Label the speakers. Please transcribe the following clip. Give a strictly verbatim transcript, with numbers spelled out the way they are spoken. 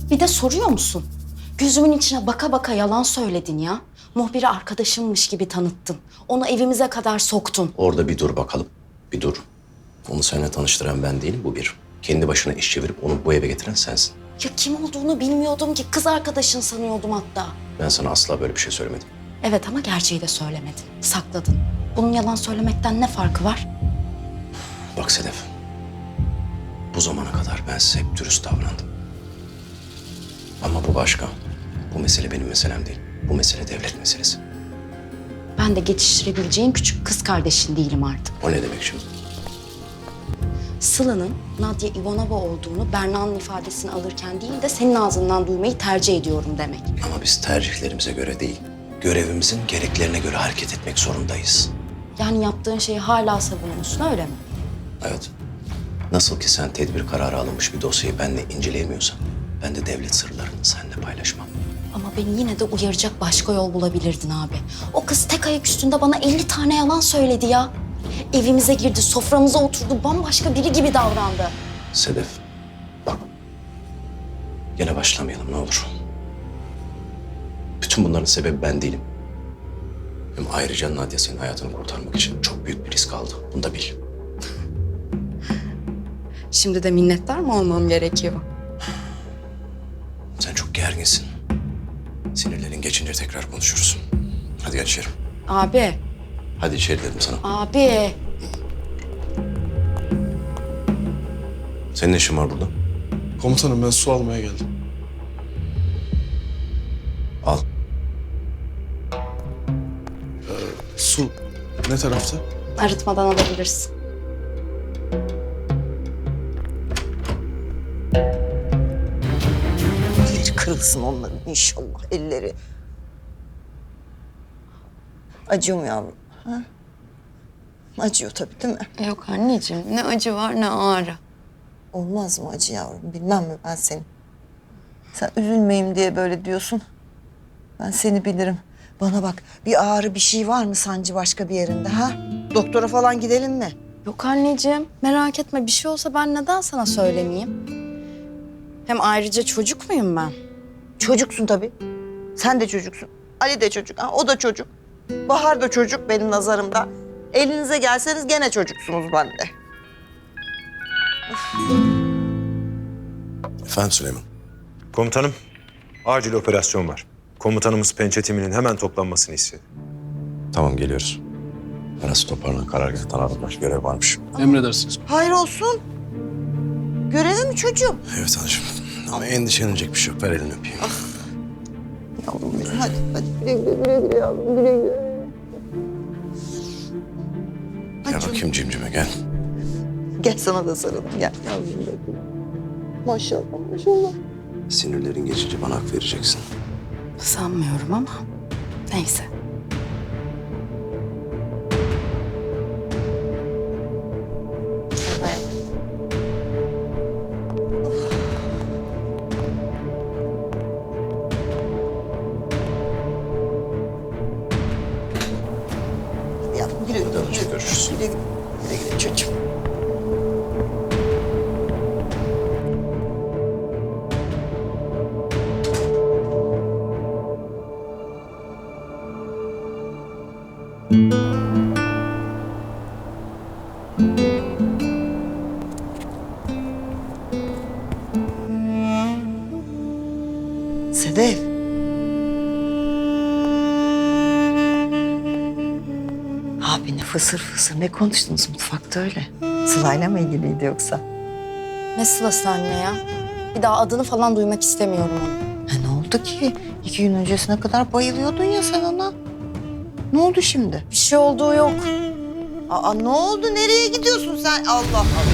Speaker 1: Bir de soruyor musun? Gözümün içine baka baka yalan söyledin ya. Muhbiri arkadaşımmış gibi tanıttın. Onu evimize kadar soktun.
Speaker 2: Orada bir dur bakalım. Bir dur. Onu seninle tanıştıran ben değilim, bu bir. Kendi başına iş çevirip onu bu eve getiren sensin.
Speaker 1: Ya kim olduğunu bilmiyordum ki. Kız arkadaşın sanıyordum hatta.
Speaker 2: Ben sana asla böyle bir şey söylemedim.
Speaker 1: Evet ama gerçeği de söylemedin. Sakladın. Bunun yalan söylemekten ne farkı var?
Speaker 2: Bak Sedef, bu zamana kadar ben size hep dürüst davrandım. Ama bu başka. Bu mesele benim meselem değil. Bu mesele devlet meselesi.
Speaker 1: Ben de geçiştirebileceğin küçük kız kardeşin değilim artık.
Speaker 2: O ne demek şimdi?
Speaker 1: Sıla'nın Nadia Ivanova olduğunu Berna'nın ifadesini alırken değil de senin ağzından duymayı tercih ediyorum demek.
Speaker 2: Ama biz tercihlerimize göre değil, görevimizin gereklerine göre hareket etmek zorundayız.
Speaker 1: Yani yaptığın şeyi hala savunuyorsun öyle mi?
Speaker 2: Evet. Nasıl ki sen tedbir kararı alınmış bir dosyayı benimle inceleyemiyorsan, ben de devlet sırlarını seninle paylaşmam.
Speaker 1: Ama beni yine de uyaracak başka yol bulabilirdin abi. O kız tek ayak üstünde bana elli tane yalan söyledi ya. Evimize girdi, soframıza oturdu, bambaşka biri gibi davrandı.
Speaker 2: Sedef, bak. Gene başlamayalım ne olur. Bütün bunların sebebi ben değilim. Hem ayrıca Nadia senin hayatını kurtarmak için çok büyük bir risk aldı. Bunu da bil.
Speaker 1: Şimdi de minnettar mı olmam gerekiyor?
Speaker 2: Sen çok gerginsin. Sinirlerin geçince tekrar konuşuruz. Hadi gel içeri.
Speaker 1: Abi,
Speaker 2: Hadi içeri dedim sana.
Speaker 1: abi.
Speaker 2: Senin ne işin var burada?
Speaker 3: Komutanım ben su almaya geldim.
Speaker 2: Al.
Speaker 3: Su ne tarafta?
Speaker 1: Arıtmadan alabilirsin.
Speaker 4: Elleri kırılsın onların inşallah elleri. Acıyor mu yavrum? Ha? Acıyor tabii değil mi?
Speaker 5: Yok anneciğim, ne acı var ne ağrı.
Speaker 4: Olmaz mı acı yavrum? Bilmem mi ben seni? Sen üzülmeyeyim diye böyle diyorsun. Ben seni bilirim. Bana bak, bir ağrı bir şey var mı sancı başka bir yerinde ha? Doktora falan gidelim mi?
Speaker 1: Yok anneciğim, merak etme. Bir şey olsa ben neden sana söylemeyeyim? Hem ayrıca çocuk muyum ben?
Speaker 4: Çocuksun tabii. Sen de çocuksun. Ali de çocuk. Ha? O da çocuk. Bahar da çocuk benim nazarımda. Elinize gelseniz gene çocuksunuz bende.
Speaker 2: Efendim Süleyman.
Speaker 6: Komutanım, acil operasyon var. Komutanımız pençe timinin hemen toplanmasını istedi.
Speaker 2: Tamam geliyoruz. Arası toparlan karargâhtan aradılar. Görev varmış.
Speaker 3: Emredersiniz.
Speaker 4: Hayır olsun. Görevi mi çocuğum?
Speaker 2: Evet hanımcığım. Ama endişelenecek bir şey yok. Ver elini öpeyim.
Speaker 4: Yavrum benim hadi hadi güle güle güle güle yavrum güle güle.
Speaker 2: Gel bakayım cimcime gel.
Speaker 4: Gel sana da sarılın gel yavrum benim. Maşallah maşallah.
Speaker 2: Sinirlerin geçince bana hak vereceksin.
Speaker 1: Sanmıyorum ama neyse.
Speaker 4: Yavrum güle güle.
Speaker 2: Hadi
Speaker 4: güle güle.
Speaker 2: görüşürüz.
Speaker 4: Güle güle. Güle güle çocuğum. Sedef. Abi ne fısır fısır ne konuştunuz mutfakta öyle? Sıla'yla mı ilgiliydi yoksa?
Speaker 1: Ne sılası anne ya? Bir daha adını falan duymak istemiyorum onu.
Speaker 4: Ha, ne oldu ki? İki gün öncesine kadar bayılıyordun ya sen ona. Ne oldu şimdi?
Speaker 1: Bir şey olduğu yok.
Speaker 4: Aa ne oldu? Nereye gidiyorsun sen? Allah Allah.